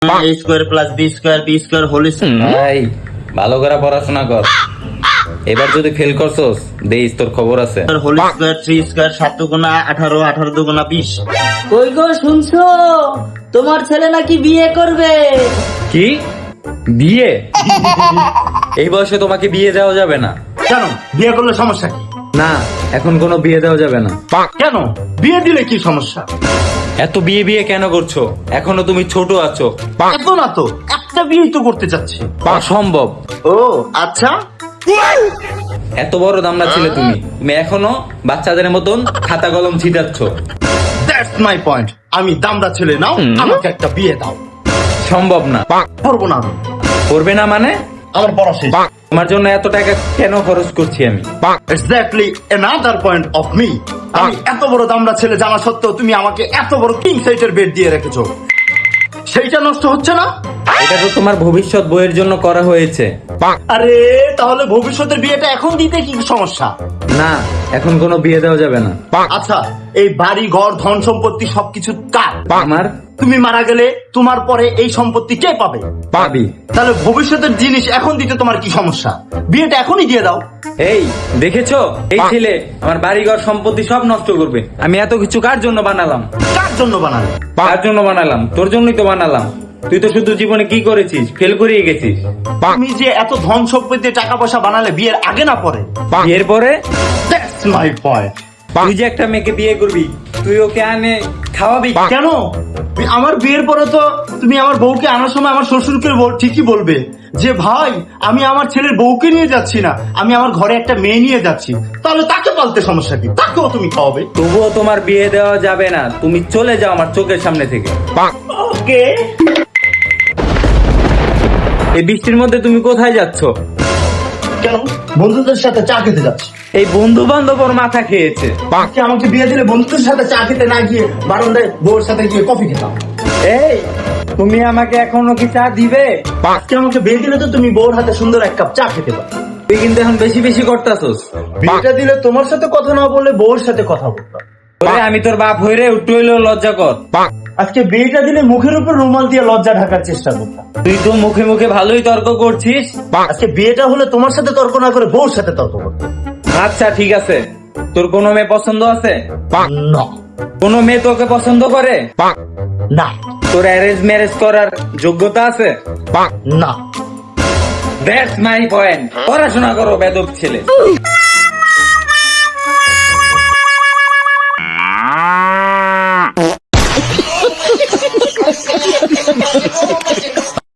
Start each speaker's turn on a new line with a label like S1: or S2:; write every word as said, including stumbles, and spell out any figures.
S1: এ square plus B square B square whole
S2: ভাই ভালো করে পড়াশোনা কর, এবার যদি ফেল করছস দেইস তোর খবর আছে।
S1: Square whole square three square সাত দুগুণা আঠারো আঠারো দুগুণা বিশ।
S3: কই গো শুনছো, তোমার ছেলে নাকি বিয়ে করবে?
S2: কি বিয়ে? এই বয়সে তোমাকে বিয়ে দেওয়া যাবে না।
S4: কেন বিয়ে করলে সমস্যা কি?
S2: না, এখন কোনো বিয়ে দেওয়া যাবে না।
S4: কেন বিয়ে দিলে কি সমস্যা?
S2: এত বিয়ে বিয়ে কেন করছো? এখনো তুমি ছোট আছো।
S4: এত না তো, একটা বিয়েই তো করতে চাচ্ছি।
S2: অসম্ভব।
S4: ও আচ্ছা,
S2: এত বড় দামড়া ছিলে তুমি, তুমি এখনো বাচ্চাদের মতন খাতা কলম ছিটাচ্ছ।
S4: That's my point. আমি দামড়া ছেলে, নাও আমাকে একটা বিয়ে দাও।
S2: সম্ভব না।
S4: করবো না আমি।
S2: করবে না মানে?
S4: আমার পড়া শেষ।
S2: তোমার জন্য এত টাকা কেন খরচ করছি আমি?
S4: Exactly another point of me. আমি এত বড় দামড়া ছেলে জানা সত্ত্বেও তুমি আমাকে এত বড় কিং সাইজের বেড দিয়ে রেখেছো, সেইটা নষ্ট হচ্ছে না?
S2: এটা তো তোমার ভবিষ্যৎ বইয়ের জন্য করা হয়েছে।
S4: আরে তাহলে ভবিষ্যতের বিয়েটা এখন দিতে কি সমস্যা?
S2: না, এখন কোনো বিয়ে দেওয়া যাবে না।
S4: আচ্ছা, এই বাড়ি ঘর ধন সম্পত্তি সবকিছু কার?
S2: আমার।
S4: তুমি মারা গেলে তোমার পরে এই সম্পত্তি কে পাবে?
S2: পাবি।
S4: তাহলে ভবিষ্যতের জিনিস এখন দিতে তোমার কি সমস্যা? বিয়েটা এখনই দিয়ে দাও।
S2: এই দেখেছো, এই ছেলে আমার বাড়িঘর সম্পত্তি সব নষ্ট করবে। আমি এত কিছু কার জন্য বানালাম?
S4: কার জন্য বানালে?
S2: কার জন্য বানালাম? তোর জন্যই তো বানালাম। তুই তো শুধু জীবনে কি করেছিস? ফেল করিয়ে গেছিস।
S4: তুমি যে এত ধন সম্পত্তি টাকা পয়সা বানালে বিয়ের আগে না পরে?
S2: এরপরে
S4: দ্যাটস মাই পয়েন্ট।
S2: তুই যে একটা মেয়েকে বিয়ে করবি, তুই ওকে আনে খাওয়াবি
S4: কেন? আমার বিয়ের পরে তো তুমি আমার বউকে আনার সময় আমার শ্বশুরকে বল- ঠিকই বলবে যে ভাই আমি আমার ছেলের বউকে নিয়ে যাচ্ছি না, আমি আমার ঘরে একটা মেয়ে নিয়ে যাচ্ছি। তাহলে তাকে পালতে সমস্যা কি? তাকেও তুমি খাওয়াবে।
S2: তবুও তোমার বিয়ে দেওয়া যাবে না। তুমি চলে যাও আমার চোখের সামনে থেকে।
S4: ওকে।
S2: এই বৃষ্টির মধ্যে তুমি কোথায় যাচ্ছ?
S4: কেন? বন্ধুদের সাথে চা খেতে যাচ্ছি।
S2: এই বন্ধু বান্ধব ওর মাথা খেয়েছে।
S4: বাকি আমাকে বিয়ে দিলে বন্ধুদের সাথে চা খেতে না গিয়ে বারান্দায় বউর সাথে গিয়ে কফি খেতাম।
S2: এই তুমি আমাকে এখনো কি চা দিবে?
S4: আজকে আমাকে বিয়ে দিলে তো তুমি বউর হাতে সুন্দর এক কাপ চা খেতে পারো।
S2: তুই কিন্তু এখন বেশি বেশি করতাছস।
S4: বিয়েটা দিলে তোমার সাথে কথা না বলে বউর সাথে কথা বলতাম।
S2: ওরে আমি তোর বাপ হইরে একটু হইলেও লজ্জা কর।
S4: আজকে বিয়েটা দিলে মুখের উপর রুমাল দিয়ে লজ্জা ঢাকার চেষ্টা করতাম।
S2: তুই তো মুখে মুখে ভালোই তর্ক করছিস।
S4: আজকে বিয়েটা হলে তোমার সাথে তর্ক না করে বউর সাথে তর্ক করতাম।
S2: আচ্ছা ঠিক আছে, তোর কোনো মেয়ে পছন্দ আছে?
S4: না
S2: কোনো মেয়ে তোকে পছন্দ করে?
S4: না
S2: তোর অ্যারেঞ্জ ম্যারেজ করার যোগ্যতা আছে?
S4: না।
S2: That's my point. পড়াশোনা করো বেদব ছেলে।